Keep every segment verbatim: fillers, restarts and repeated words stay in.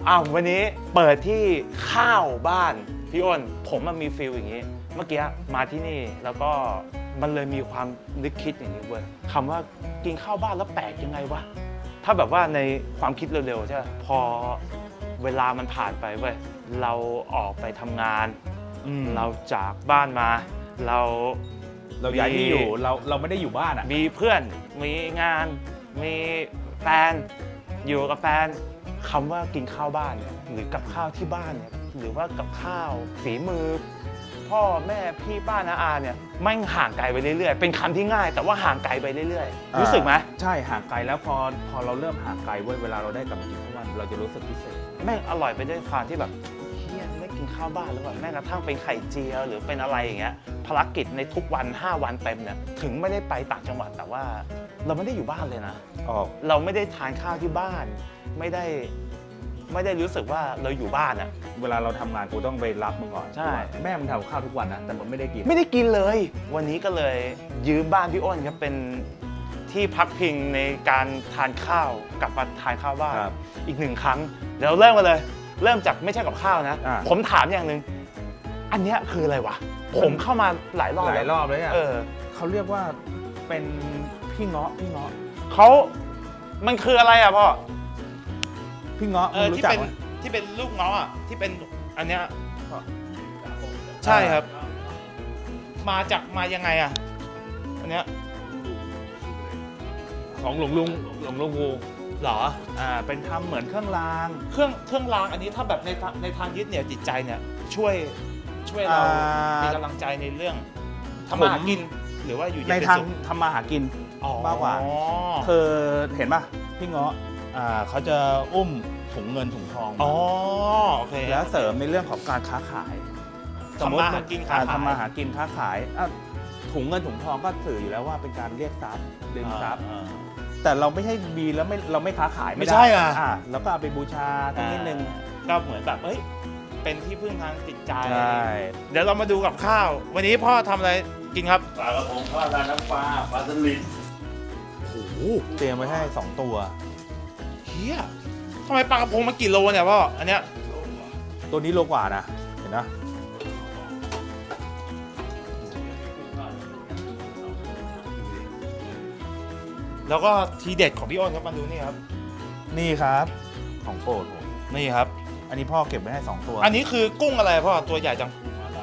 อ้าววันนี้เปิดที่ข้าวบ้านพี่อ้นผมมันมีฟีลอย่างนี้เมื่อกี้มาที่นี่แล้วก็มันเลยมีความนึกคิดอย่างนี้เว้ยคำว่ากินข้าวบ้านแล้วแปลกยังไงวะถ้าแบบว่าในความคิดเร็วๆใช่ไหมพอเวลามันผ่านไปเว้ยเราออกไปทำงานเราจากบ้านมาเราเราย้ายที่อยู่เราเราไม่ได้อยู่บ้านอ่ะมีเพื่อนมีงานมีแฟนอยู่กับแฟนคำว่ากินข้าวบ้านเนี่ยหรือกับข้าวที่บ้านเนี่ยหรือว่ากับข้าวฝีมือพ่อแม่พี่ป้าน้าอาเนี่ยไม่ห่างไกลไปเรื่อยๆเป็นคำที่ง่ายแต่ว่าห่างไกลไปเรื่อยๆรู้สึกไหมใช่ห่างไกลแล้วพอพอเราเริ่มห่างไกลเว้ยเวลาเราได้กลับมากินข้าวบ้านเราจะรู้สึกพิเศษแม่งอร่อยไปด้วยความที่แบบเฮียไม่กินข้าวบ้านแล้วแบบแม้กระทั่งเป็นไข่เจียวหรือเป็นอะไรอย่างเงี้ยภารกิจในทุกวันห้าวันเต็มเนี่ยถึงไม่ได้ไปต่างจังหวัดแต่ว่าเราไม่ได้อยู่บ้านเลยนะเราไม่ได้ทานข้าวที่บ้านไม่ได้ไม่ได้รู้สึกว่าเราอยู่บ้านอะเวลาเราทำงานกูต้องไปรับมึงก่อนใช่แม่มึงทำข้าวทุกวันนะแต่มึงไม่ได้กินไม่ได้กินเลยวันนี้ก็เลยยืมบ้านพี่อ้นครับเป็นที่พักพิงในการทานข้าวกับมาทานข้าวบ้านอีกหนึ่งครั้งเดี๋ยวเริ่มกันเลยเริ่มจากไม่ใช่กับข้าวนะผมถามอย่างหนึ่งอันนี้คืออะไรวะผมเข้ามาหลายรอบหลายรอบเลยอ่ะเออเขาเรียกว่าเป็นพี่เงาะพี่เงาะเขามันคืออะไรอ่ะพ่อพี่เงาะเออที่เป็นที่เป็นลูกเงาะอ่ะที่เป็นอันเนี้ยใช่ครับมาจากมายังไงอ่ะอันเนี้ยของหลวงลุงหลวงลุงงูหรออ่าเป็นทำเหมือนเครื่องรางเครื่องเครื่องรางอันนี้ถ้าแบบในในทางยึดเหนี่ยวจิตใจเนี่ยช่วยช่วยเรามีกำลังใจในเรื่องทำมาหากินหรือว่าอยู่ในทางทำมาหากินมากกว่าคือเห็นป่ะพี่เงาะอ่าเขาจะอุ้มถุงเงินถุงทองอ๋อโอเคแล้วเสริมในเรื่องของการค้าขายทำมาหากินค้าขายทำมาหากินค้าขายถุงเงินถุงทองก็สื่ออยู่แล้วว่าเป็นการเรียกทรัพย์ดึงทรัพย์แต่เราไม่ใช่มีแล้วไม่เราไม่ค้าขายไม่ใช่อ่ะแล้วก็เอาไปบูชาตั้งนิดนึงก็เหมือนแบบเฮ้ยเป็นที่พึ่งทางจิตใจเดี๋ยวเรามาดูกับข้าววันนี้พ่อทำอะไรกินครับปลากระพงทอดราดน้ำปลาปลาสลิดโอ้โหเตรียมไว้ให้สองตัวเฮียทำไมปลากระพงมากี่โลเนี่ยพ่ออันเนี้ยตัวนี้โลกว่านะเห็นนะแล้วก็ทีเด็ดของพี่อ้นครับมาดูนี่ครับนี่ครับของโปรดผมนี่ครับอันนี้พ่อเก็บไว้ให้สองตัวอันนี้คือกุ้งอะไรพ่อตัวใหญ่จัง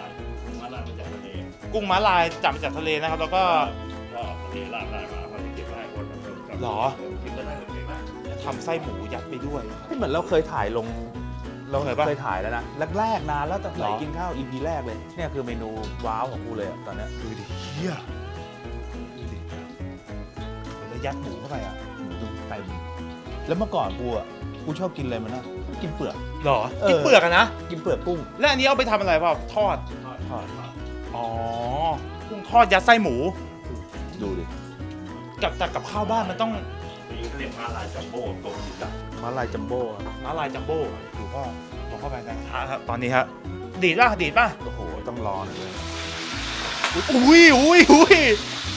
กุ้งม้าลายจับมาจากทะเลนะครับแล้วก็ก็ทะเลลากได้มาเขาเก็บไว้ให้คนหรอทำไส้หมูยัดไปด้วยเหมือนเราเคยถ่ายลงเราเคยถ่ายแล้วนะแรกๆนานแล้วแต่ไหนกินข้าว อี พี แรกเลยเนี่ยคือเมนูว้าวของกูเลยตอนนี้ดูดิเฮียดูดิแล้วยัดหมูเข้าไปอ่ะหมูเต็มแล้วเมื่อก่อนกูอ่ะกูชอบกินอะไรมันนะกินเปลือกหรอกินเปลือกอะนะกินเปลือกกุ้งแล้วอันนี้เอาไปทำอะไรพ่อทอดทอดอ๋อกุ้งทอดยัดไส้หมูดูดิกับแต่กับข้าวบ้านมันต้องมีเขาเรียกม้าลายจัมโบ้ตรงนี้จ้ะม้าลายจัมโบ้ม้าลายจัมโบ้ดูก็ลงเข้าไปนะครับตอนนี้ครับดีดป่ะดีดป่ะโอ้โหต้องรอหน่อยเลยอุ้ยอุ้ยอุ้ย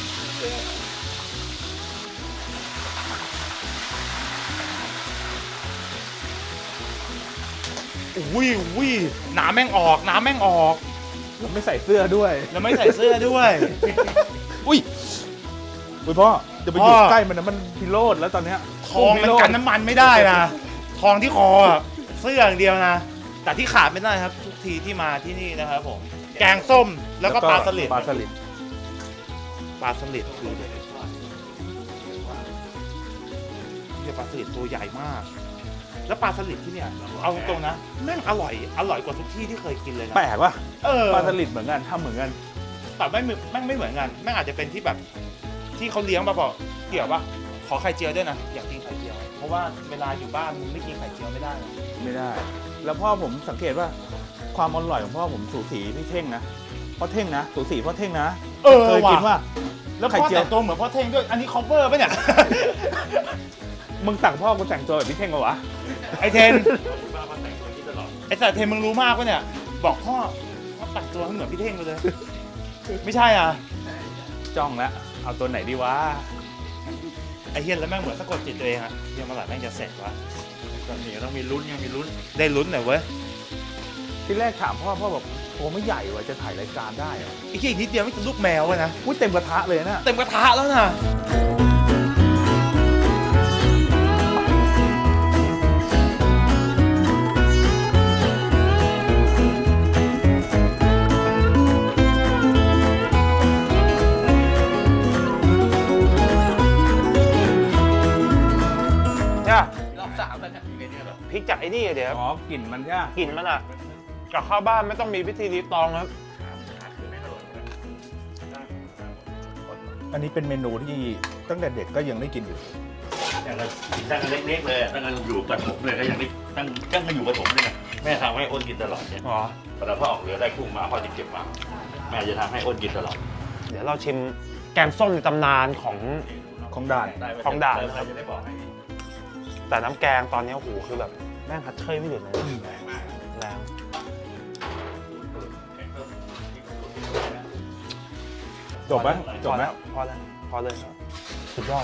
อุ้ยอุ้ยน้ำแม่งออกน้ำแม่งออกแล้วไม่ใส่เสื้อด้วยแล้วไม่ใส่เสื้อด้วยอุ้ยอุ้ยพ่อจะไปอยู่ใกล้มันนะมันพิโรธแล้วตอนเนี้ยทองมันกันน้ำมันไม่ได้นะทองที่คอเสื้ออย่างเดียวนะแต่ที่ขาดไม่ได้ครับทุกทีที่มาที่นี่นะครับผมแกงส้มแล้วก็ปลาสลิดปลาสลิดปลาสลิดคือเรียกปลาสลิดตัวใหญ่มากแล้วปลาสลิดที่เนี่ยเอาตรงนะแม่งอร่อยอร่อยกว่าทุกที่ที่เคยกินเลยนะแปลกว่ะเออปลาสลิดเหมือนกันทำเหมือนกันแต่ไม่แม่งไม่เหมือนกันแม่งอาจจะเป็นที่แบบที่เขาเลี้ยงมาบอกเกี่ยวป่ะขอไข่เจียวด้วยนะอยากกินไข่เจียวเพราะว่าเวลาอยู่บ้านมึงไม่กินไข่เจียวไม่ได้ไม่ได้แล้วพ่อผมสังเกตว่าความอร่อยของพ่อผมสูสีพี่เท่งนะพ่อเท่งนะสูสีพ่อเท่งนะเออเคยกินว่าแล้วพ่อแต่งตัวเหมือนพ่อเท่งด้วยอันนี้คอฟเวอร์ป่ะเนี่ยมึงสั่งพ่อกูแต่งตัวแบบพี่เท่งเหรอวะไอเทนไอแต่เทนมึงรู้มากป่ะเนี่ยบอกพ่อพ่อแต่งตัวเหมือนพี่เท่งเลยไม่ใช่อ่ะจ้องแล้วเอาตัวไหนดีวะไอเฮียนแล้วแม่งเหมือนสะกดจิตตัวเองอะเฮียมาหลายแม่งจะเสร็จวะตอนนี้ต้องมีลุ้นยังมีลุ้นได้ลุ้นหน่อยเว้ยที่แรกถามพ่อพ่อบอกตัวไม่ใหญ่ว่ะจะถ่ายรายการได้เหรออีกทีนิดเดียวไม่ถึงลูกแมวเลยนะอุ้ยเต็มกระทะเลยนะเต็มกระทะแล้วนะ จ้ะรอบสามแล้วเนี่ยอยู่ในนี้เหรอพริกจากไอ้นี่เดี๋ยวอ๋อกลิ่นมันใช่ไหมกลิ่นมันอ่ะกับข้าวบ้านไม่ต้องมีพิธีรีตองครับอันนี้เป็นเมนูที่ตั้งแต่เด็กก็ยังได้กินอยู่ตั้งแต่ตั้งแต่เล็กๆเลยตั้งแต่อยู่กับผมเลยก็ยังไม่ตั้งตั้งแต่อยู่กับผมเลยนะแม่ทำให้อ้นกินตลอดเนี่ยอ๋อเวลาพ่อออกเรือได้กุ้งมาพ่อจะเก็บมาแม่จะทำให้อ้นกินตลอดเดี๋ยวเราชิมแกงส้มในตำนานของของด่านของด่านแล้วเราจะได้บอกให้แต่น้ำแกงตอนนี้โอ้โหคือแบบแม่งคัดเชยไม่หยุดเลยนะแรงจบไหมจบไหมพอแล้วพอเลยครับสุดยอด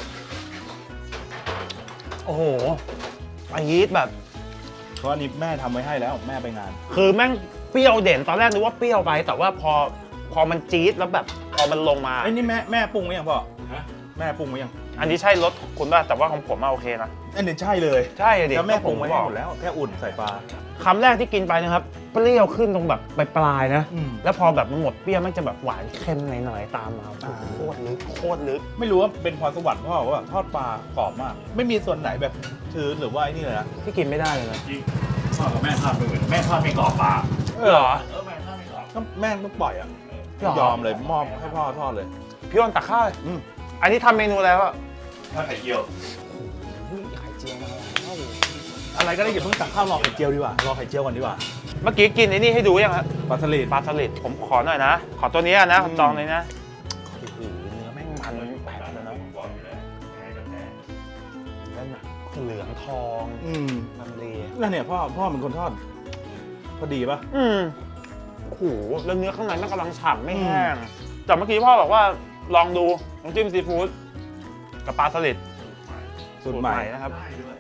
โอ้โหอันนี้แบบเพราะอันนี้แม่ทำไว้ให้แล้วแม่ไปงานคือแม่งเปรี้ยวเด่นตอนแรกนึกว่าเปรี้ยวไป แต่ว่าพอพอมันจี๊ดแล้วแบบพอมันลงมาไอ้ยนี่แม่แม่ปรุงไว้ยังพ่อฮะแม่ปรุงไว้ยังอันนี้ใช่รสคุณป่ะแต่ว่าของผมอะโอเคนะอันนี้ใช่เลยใช่ดิแล้วแม่ปรุงไว้ให้ก็หมดแล้วแค่อุ่นใส่ปลาคำแรกที่กินไปนะครับเปรี้ยวขึ้นตรงแบบปลายๆนะอืมแล้วพอแบบมันหมดเปรี้ยวมันจะแบบหวานเค็มหน่อยๆตามมาอ่าโคตรลึกโคตรลึกไม่รู้ว่าเป็นพรสวรรค์พ่อว่าทอดปลากรอบมาก ไม่มีส่วนไหนแบบชื้นหรือว่าไอ้นี่เลยนะที่กินไม่ได้เลยนะจริงพ่อกับแม่ทอดไม่เหมือนแม่ทอดไม่กรอบปลาเหรอเออแม่ทอดไม่กรอบก็แม่ต้องปล่อยอ่ะหรอยอมเลยมอบให้พ่อทอดเลยพี่อ้นตักข้าวเลยอืมอันนี้ทำเมนูแล้วอะทอดไข่เจียวอุ้ยไข่เจียวมาแล้วอะไรก็ได้อย่าเพิ่งตักข้าวรอไข่เจียวดีกว่ารอไข่เจียวก่อนดีกว่าเมื่อกี้กินไอ้นี่ให้ดูยังฮะปลาสลิดปลาสลิดผมขอหน่อยนะ ขอตัวนี้อะนะอืมจองเลยนะโอ้โหเนื้อแม่งมันแปลกเลยนะบอกอยู่แล้วแพ้กับแพ้นั่นน่ะเหลืองทองอืมลังเลนั่นเนี่ยพ่อพ่อเป็นคนทอด พอดีปะอืมโอ้โหแล้วเนื้อข้างในมันกำลังฉ่ำไม่แห้งแต่เมื่อกี้พ่อบอกว่าลองดูน้ำจิ้มซีฟู้ดกับปลาสลิดสูตรใหม่นะครับได้ด้วย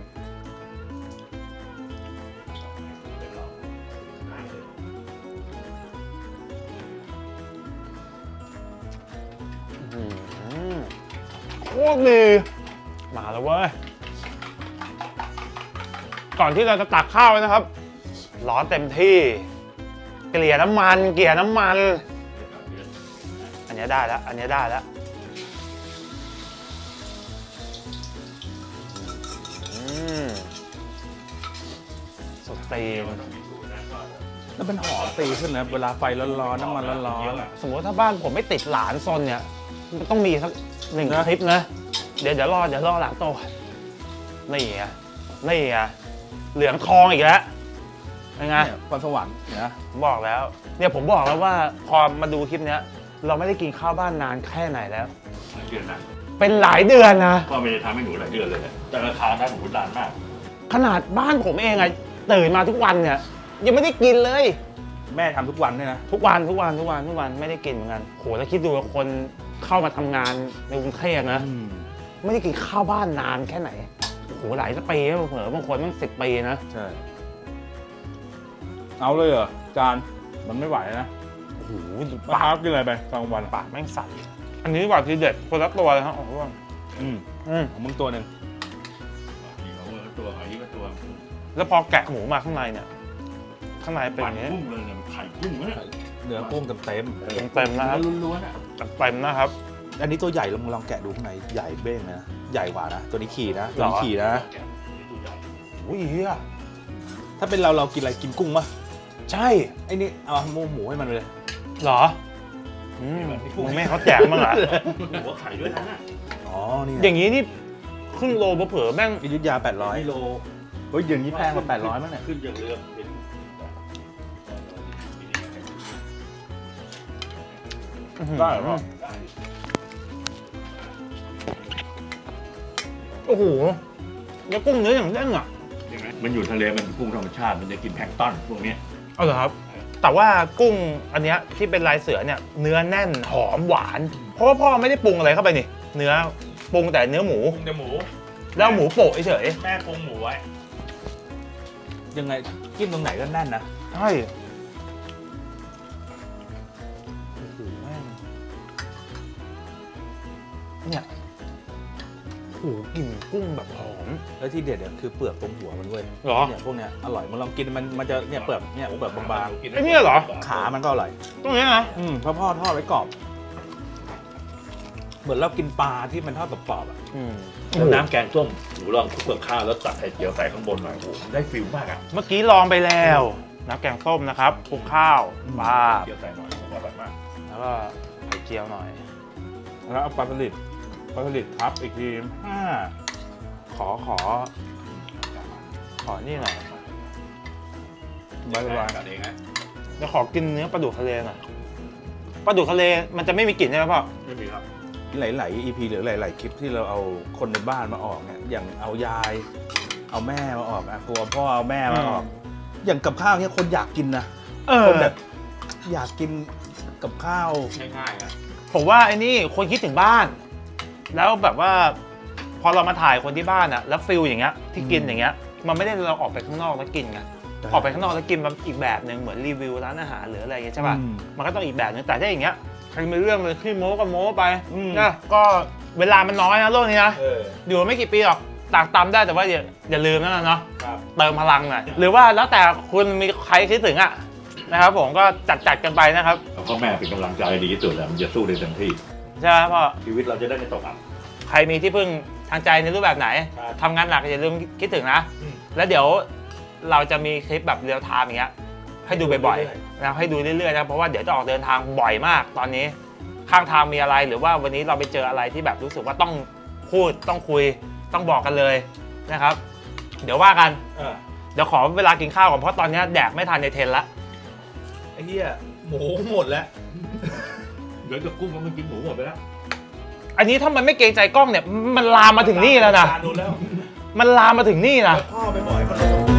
เป็นเราได้เลยอื้อหือโคตรดีมาแล้วเว้ย ก่อนที่เราจะตักข้าวนะครับ ร้อนเต็มที่ เกลี่ยน้ำมัน เกลี่ยน้ำมัน อันนี้ได้แล้ว อันนี้ได้แล้วอืมสดตีนแล้วเป็นหอมตีขึ้นนะเวลาไฟร้อนๆน้ำมันร้อนสมมติถ้าบ้านผมไม่ติดหลานซนเนี่ย มันต้องมีสักหนึ่งนะคลิปนะ เดี๋ยวเดี๋ยวรอเดี๋ยวรอหลังโตนี่ไงนี่ไงเหลืองทองอีกแล้วยังๆไงเนี่ยพรสวรรค์นะผมบอกแล้ว เนี่ยผมบอกแล้วว่าพอมาดูคลิปเนี้ย เราไม่ได้กินข้าวบ้านนานแค่ไหนแล้วหลายเดือนนะเป็นหลายเดือนนะพ่อไม่ได้ทำให้หนูหลายเดือนเลยแหละแต่ราคานั้นหนูนานมากขนาดบ้านผมเองอะตื่นมาทุกวันเนี่ย ยังไม่ได้กินเลยแม่ทำทุกวันด้วยนะทุกวันทุกวันทุกวันทุกวันไม่ได้กินเหมือนกันโหแล้วคิดดูว่าคนเข้ามาทำงานในกรุงเทพนะอืมไม่ได้กินข้าวบ้านนานแค่ไหนโหหลายปีแล้วเผลอบางคนมันสิบปีนะใช่ เอาเลยเหรอจานมันไม่ไหวนะโอ้โหปาปากกกินอะไรไปกลางวันปากแม่งสั่นอันนี้ว่าทีเด็ดคนละตัวเลยครับโอ้โหอืมอืมของมึงตัวหนึ่งมีเขาเมื่อตัวอันนี้ก็ตัวแล้วพอแกะหมูมาข้างในเนี่ย ข้างในเป็นอย่างนี้กุ้งเลยเนี่ยไข่กุ้งเนี่ยเนื้อกุ้งเต็มเต็มๆนะครับล้วนๆอ่ะเต็มๆนะครับๆอันนี้ตัวใหญ่ลองลองแกะดูข้างในใหญ่เบ้งเลยนะใหญ่กว่านะ ตัวนี้ขี่นะ ตัวนี้ขี่นะตัวใหญ่อุ้ยเฮียถ้าเป็นเราเรากินอะไรกินกุ้งปะใช่ไอ้นี่เอาหมูหมูให้มันไปเลยเหรออืมมึงไม่ให้เขาแจกมั้างเหรอหัวไข่ด้วยนะอ๋อ นี่อย่างนี้นี่ครึ่งโลเผลอๆแม่งอยุธยาแปดร้อยกิโลเฮ้ยอย่างนี้แพงกว่าแปดร้อยมั้งเนี่ยขึ้นจากเรือเป็นได้เหรอโอ้โหแล้วกุ้งเนื้ออย่างเด้งอ่ะมันอยู่ทะเลมันกุ้งธรรมชาติมันจะกินแพลงก์ต้นพวกเนี้ยเอาเหรอครับ แต่ว่ากุ้งอันเนี้ยที่เป็นลายเสือเนี่ยเนื้อแน่นหอมหวาน เพราะว่าพ่อไม่ได้ปรุงอะไรเข้าไปนี่ เนื้อปรุงแต่เนื้อหมูปรุงแต่หมูแล้วหมูโปะเฉยแม่ปรุงหมูไว้ๆยังไงกินตรงไหนก็แน่นนะใช่โอ้โหแม่งเนี่ยโอ้โหกลิ่นกุ้งแบบหอมแล้วที่เด็ดเนี่ยคือเปลือกตรงหัวมันเว้ยเหรอเนี่ยพวกเนี้ยอร่อยมันลองกินมันมันจะเนี่ยเปลือกเนี่ยเปลือกบางไอ้เนี่ยเหรอๆขามันก็อร่อยตรงนี้นะอืมเพราะพ่อทอดไว้กรอบ เหมือนเรากินปลาที่มันทอดกรอบๆอ่ะอืมแล้วน้ำแกงส้มหนูลองคลุกกับข้าวแล้วตัดไข่เจียวใส่ข้างบนหน่อยโอ้โหได้ฟิลมากอ่ะเมื่อกี้ลองไปแล้วน้ำแกงส้มนะครับคลุกข้าวปลาเจียวใส่หน่อยผมว่าอร่อยมากแล้วก็ไข่เจียวหน่อยแล้วเอาปลาสลิดปลาสลิดทับอีกทีห้าขอขอ ขอนี่หน่อยใบละลายกันเองนะจะขอกินเนื้อปลาดุกทะเลหน่อยปลาดุกทะเลมันจะไม่มีกลิ่นใช่ไหมพ่อไม่มีครับหลายๆ อี พี หรือหลาย ๆ คลิปที่เราเอาคนในบ้านมาออกเนี่ยอย่างเอายาย เอาแม่มาออกอะตัวพ่อเอาแม่มาออก อย่างกับข้าวเนี่ยคนอยากกินนะเออคนแบบอยากกินกับข้าวง่ายๆนะผมว่าไอ้นี่คนคิดถึงบ้าน แล้วแบบว่า พอเรามาถ่ายคนที่บ้านอะแล้วฟิลอย่างเงี้ยที่กินอย่างเงี้ยมันไม่ได้เราออกไปข้างนอกแล้วกินไงออกไปข้างนอกแล้วกินแบบอีกแบบหนึ่งเหมือนรีวิวร้านอาหารหรืออะไรอย่างเงี้ยใช่ป่ะอืมมันก็ต้องอีกแบบนึงแต่ถ้าอย่างเงี้ยใครมีเรื่องเลยขี้โม้ก็โม้ไปอืมนะก็เวลามันน้อยนะโลกนี้นะเอออยู่ไม่กี่ปีหรอกตากตำได้แต่ว่าอย่าอย่าลืมนะเนาะครับเติมพลังหน่อยหรือว่าแล้วแต่คุณมีใครคิดถึงอะนะครับผมก็จัดจัดกันไปนะครับแล้วพ่อแม่เป็นกำลังใจดีที่สุดแล้วมันจะสู้ได้เต็มที่ใช่ไหมพ่อชีวิตเราจะได้ไม่ตกอับใครมีที่พึ่งทางใจในรูปแบบไหนครับทำงานหนักอย่าลืมคิดถึงนะอืมแล้วเดี๋ยวเราจะมีคลิปแบบเรียลไทม์อย่างเงี้ยให้ดูบ่อยเรื่อยๆนะให้ดูเรื่อยๆนะเพราะว่าเดี๋ยวจะออกเดินทางบ่อยมากตอนนี้ข้างทางมีอะไรหรือว่าวันนี้เราไปเจออะไรที่แบบรู้สึกว่าต้องพูดต้องคุยต้องบอกกันเลยนะครับ เดี๋ยวว่ากันเออเดี๋ยวขอเวลากินข้าวก่อนเพราะตอนนี้แดกไม่ทันในเทรนละไอ้เหี้ยหมูหมดแล้วเดี๋ยวจะกุ้งมันกินหมูหมดไปแล้วอันนี้ถ้ามันไม่เกรงใจกล้องเนี่ยมันลามมาถึงนี่แล้วนะดูแล้วมันลามมาถึงนี่นะพ่อไปบ่อยมัน